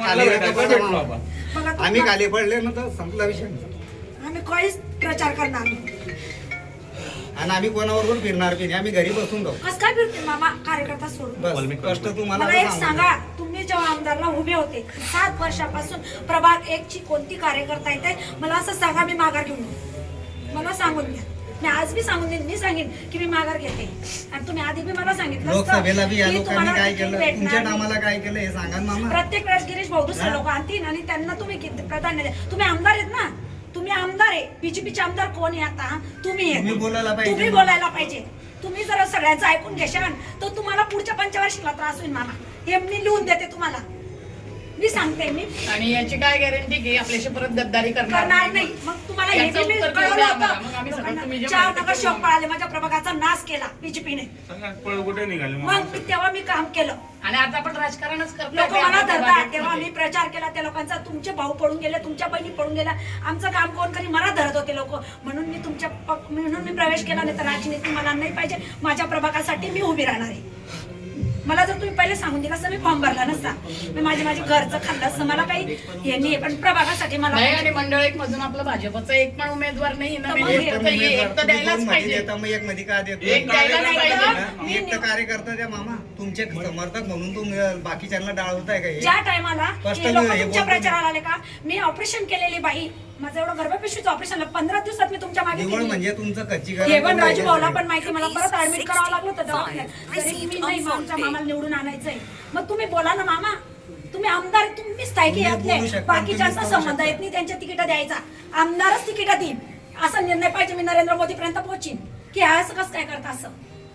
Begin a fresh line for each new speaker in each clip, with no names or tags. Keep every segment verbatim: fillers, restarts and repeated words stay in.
आम्ही खाली पडले ना तर संपला विषय.
आम्ही काहीच प्रचार करणार नाही
आणि आम्ही कोणावर फिरणार की नाही. आम्ही घरी बसून जाऊ.
कसं काय फिरते मामा कार्यकर्ता सोडून?
बस कष्ट तुम्हाला
मला एक सांगा, तुम्ही जेव्हा आमदारला उभे होते सात वर्षापासून प्रभाग एक ची कोणती कार्यकर्ता येते मला असं सांगा, मी माघार घेऊन येऊ. मला सांगून द्या. मी आज बी सांगून देईन, मी सांगेन की मी माघार घेते. आणि तुम्ही आधी बी मला सांगितलं
लोकसभेला बी या लोकांनी काय केलं, तुमच्या नामाला काय केलं हे सांगा मामा.
प्रत्येक वेळेस गिरीश भाऊ दुसरे लोक आणतील आणि त्यांना तुम्ही प्राधान्य द्या. तुम्ही आमदार आहेत ना, तुम्ही आमदार आहे. बीजेपीचे आमदार कोण आहे आता? तुम्ही
तुम्ही बोलायला पाहिजे.
तुम्ही बोलायला पाहिजे. तुम्ही जर सगळ्यांचं ऐकून घेशाल तर तुम्हाला पुढच्या पंचवार्षिकला त्रास होईल मामा. हे मी लिहून देते तुम्हाला, मी सांगते. मी
आणि याची काय गॅरंटी की आपल्याशी परत गद्दारी
करणार नाही. मग तुम्हाला हे बी मी कळवलं होतं. चार नगरसेवक पळाले, माझ्या प्रभागाचा नाश केला बीजेपीने. मग मी तेव्हा मी काम केलं
आणि आता आपण राजकारणच करतो.
लोक मला धरतात. तेव्हा मी प्रचार केला त्या लोकांचा. तुमचे भाऊ पडून गेले, तुमच्या बहिणी पडून गेल्या. आमचं काम कोण करी? मला धरत होते लोक. म्हणून मी तुमच्या म्हणून मी प्रवेश केला. नाही तर राजनीती मला नाही पाहिजे. माझ्या प्रभागासाठी मी उभी राहणार आहे. मला जर तुम्ही पहिले सांगून दिला असं मी फॉर्म भरला नसता. मी माझे माझे घरचं खाल्लं असतं. मला काही हे नाही, पण प्रभागासाठी मला
नाही. आणि मंडळ एक मधून आपलं भाजपचा एक पण उमेदवार नाही ना. एक तर द्यायलाच पाहिजे.
एक मध्ये का देतो?
एक द्यायलाच पाहिजे.
एक तर कार्यकर्ता द्या मामा. तुमचे समर्थक म्हणून तुम्ही बाकीच्यांना डाळवताय का?
ज्या टायमाला तुमच्या प्रचाराला आले का, मी ऑपरेशन केलेली बाई, माझं एवढं गर्भपिशवीचं ऑपरेशन पंधरा दिवसात मी तुमच्या मागे
म्हणजे तुमचं कच्ची
हे पण राजू भाऊला पण माहिती. मला परत ऍडमिट करावं लागलं होतं दवाखान्यात. तरी मी नाही, आमच्या मामाला निवडून आणायचंय. मग तुम्ही बोला ना मामा. तुम्ही आमदार, तुम्ही स्थायिकी यातले, बाकीच्यांचा संबंध येत नाही. त्यांच्या तिकीट द्यायचा, आमदारच तिकीट देईन असा निर्णय पाहिजे. मी नरेंद्र मोदी पर्यंत पोहोचीन की असं कसं काय करता असं.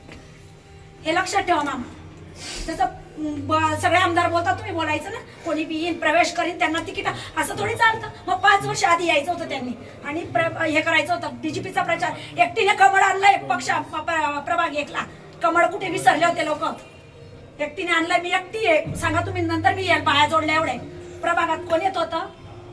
हे लक्षात ठेवा मामा. जसं सगळे आमदार बोलतात तुम्ही बोलायचं ना. कोणी बी येईन, प्रवेश करीन, त्यांना तिकीट, असं थोडी चालतं. मग पाच वर्ष आधी यायचं होतं त्यांनी आणि हे करायचं होतं. बीजेपीचा प्रचार एकटीने कमळ आणलाय पक्ष प्रभाग एकला. कमळ कुठे विसरले होते लोक? एकटीने आणलंय. मी एकटी आहे. सांगा तुम्ही नंतर मी याल बाया जोडल्या एवढे. प्रभागात कोण येत होतं?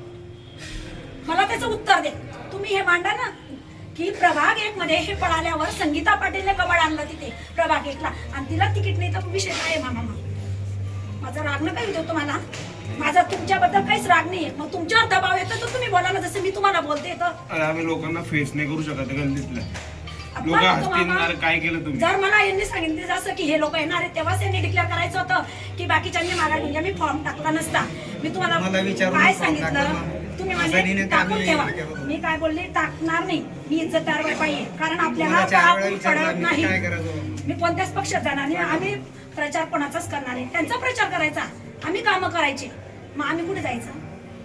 मला त्याचं उत्तर दे. तुम्ही हे मांडा ना की प्रभाग एक मध्ये हे पळाल्यावर संगीता पाटीलने कमळ आणलं तिथे प्रभाग एकला आणि तिला तिकीट नाही. तर विषय काय मामा? माझा राग नका येतो तुम्हाला. माझा तुमच्याबद्दल काहीच राग नाही. मग तुमच्यावर दबाव येतो तर तुम्ही बोला ना, जसं मी तुम्हाला बोलते. तर
आम्ही लोकांना फेस नाही करू शकत गल्लीतल्या लोक हसतील. काय केलं तुम्ही?
जर मला यांनी सांगितलं जसं की हे लोक येणार आहेत तेव्हाच यांनी डिक्लेअर करायचं होतं की बाकीच्यांनी माघार घेऊन. मी फॉर्म टाकला नसता. मी तुम्हाला काय सांगितलं, तुम्ही म्हणजे टाकून ठेवा. मी काय बोलले, टाकणार नाही. मी इज्जतदार बाई आहे. कारण आपल्याला पडत नाही. मी कोणत्याच पक्षात जाणार नाही. आम्ही प्रचार कोणाचाच करणार नाही. त्यांचा प्रचार करायचा, आम्ही कामं करायचे. मग आम्ही कुठे जायचं?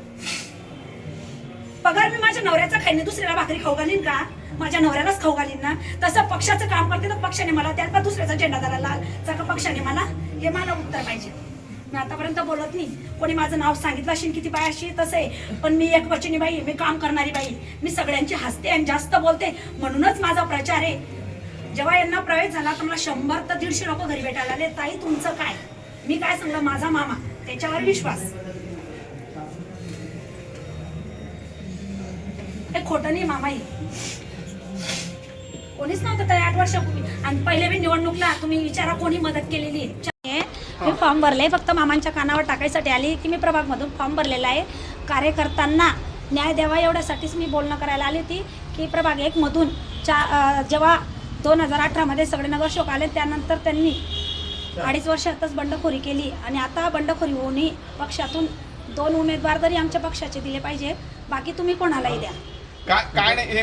पगार मी माझ्या नवऱ्याचा खाईन, दुसऱ्याला भाकरी खाऊ घालीन का? माझ्या नवऱ्यालाच खाऊ घालीन ना. तसं पक्षाचं काम करते तर पक्षाने मला त्यात का दुसऱ्याचा झेंडा धरायला लाल का पक्षाने मला? हे मला उत्तर पाहिजे. मी आतापर्यंत बोलत नाही. कोणी माझं नाव सांगितलं असेल किती बाय अशी तसं आहे, पण मी एक वचनी बाई, मी काम करणारी बाई. मी सगळ्यांची हसते आणि जास्त बोलते. म्हणूनच माझा प्रचार आहे. जेव्हा यांना प्रवेश झाला तर मला शंभर तर दीडशे लोक घरी भेटायला आले. ताई तुमचं काय? मी काय सांगलं, माझा मामा, त्याच्यावर विश्वास. हे खोटं नाही मामा. हे कोणीच नव्हतं त्या आठ वर्षापूर्वी. आणि पहिले मी निवडणूकला तुम्ही विचारा कोणी मदत केलेली आहे. मी फॉर्म भरले फक्त मामांच्या कानावर टाकायसाठी आली की मी प्रभागमधून फॉर्म भरलेला आहे. कार्यकर्त्यांना न्याय द्यावा एवढ्यासाठीच मी बोलणं करायला आली होती की प्रभाग एक मधून चा जेव्हा दोन हजार अठरामध्ये सगळे नगरसेवक आले त्यानंतर त्यांनी अडीच वर्षातच बंडखोरी केली. आणि आता बंडखोरी होऊनही पक्षातून दोन उमेदवार तरी आमच्या पक्षाचे दिले पाहिजे. बाकी तुम्ही कोणालाही द्या.
काय नाही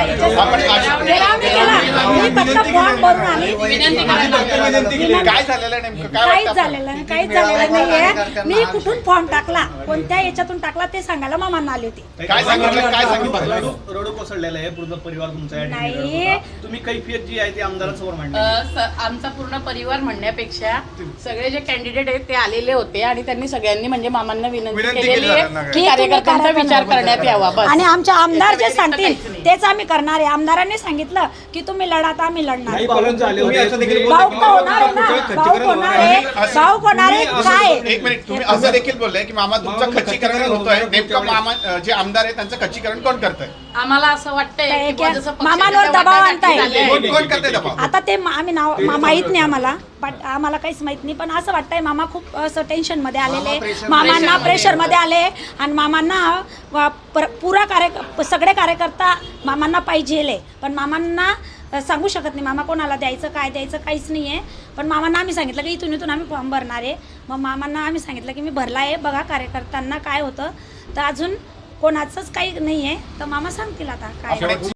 काय झालेलं नेमकं
काहीच झालेलं काहीच झालेलं नाहीये. मी कुठून फॉर्म टाकला, कोणत्या याच्यातून टाकला ते सांगायला मामांना आली होती.
काय सांगितलं? काय सांगितलं?
रडू कोसळलेला आहे पूर्ण परिवार तुमचा.
नाही,
तुम्ही कैफियत जी आहे ती आमदारांसमोर मांडली.
आमचा पूर्ण परिवार म्हणण्यापेक्षा सगळे जे कॅन्डिडेट आहेत ते आलेले होते आणि त्यांनी सगळ्यांनी म्हणजे मामांना विनंती केलेली आहे की कार्यकर्त्यांचा विचार करण्यात यावा.
आणि आमचे आमदार जे सांगतील तेच आम्ही करणार आहे. आमदारांनी सांगितलं की तुम्ही लढा तर आम्ही लढणार. भाऊ होणार आहे ना, भाऊ होणार आहे, भाऊ होणार आहे. काय
एक मिनिट, तुम्ही असं देखील बोलले की मामा तुमचं खच्चीकरण होतोय. नेमकं मामा जे आमदार आहे त्यांचं खच्चीकरण कोण करतंय?
आम्हाला असं वाटतंय
मामांवर दबाव आणताय.
कोण करते दबाव?
आता ते आम्ही नाव माहित नाही आम्हाला. बट आम्हाला काहीच माहित नाही. पण असं वाटतंय मामा खूप असं टेन्शन मध्ये आलेले,
pressure-
मामांना प्रेशर मध्ये आले आणि मामांना व पर- पुरा कार्य सगळे कार्यकर्ता मामांना पाहिजे, पण मामांना सांगू शकत नाही मामा कोणाला द्यायचं काय द्यायचं काहीच नाही आहे. पण मामांना आम्ही सांगितलं की इथून इथून आम्ही फॉर्म भरणार आहे. मग मामांना आम्ही सांगितलं की मी भरला आहे, बघा कार्यकर्त्यांना काय होतं. तर अजून कोणाचंच काही नाही आहे, तर मामा सांगतील आता काय.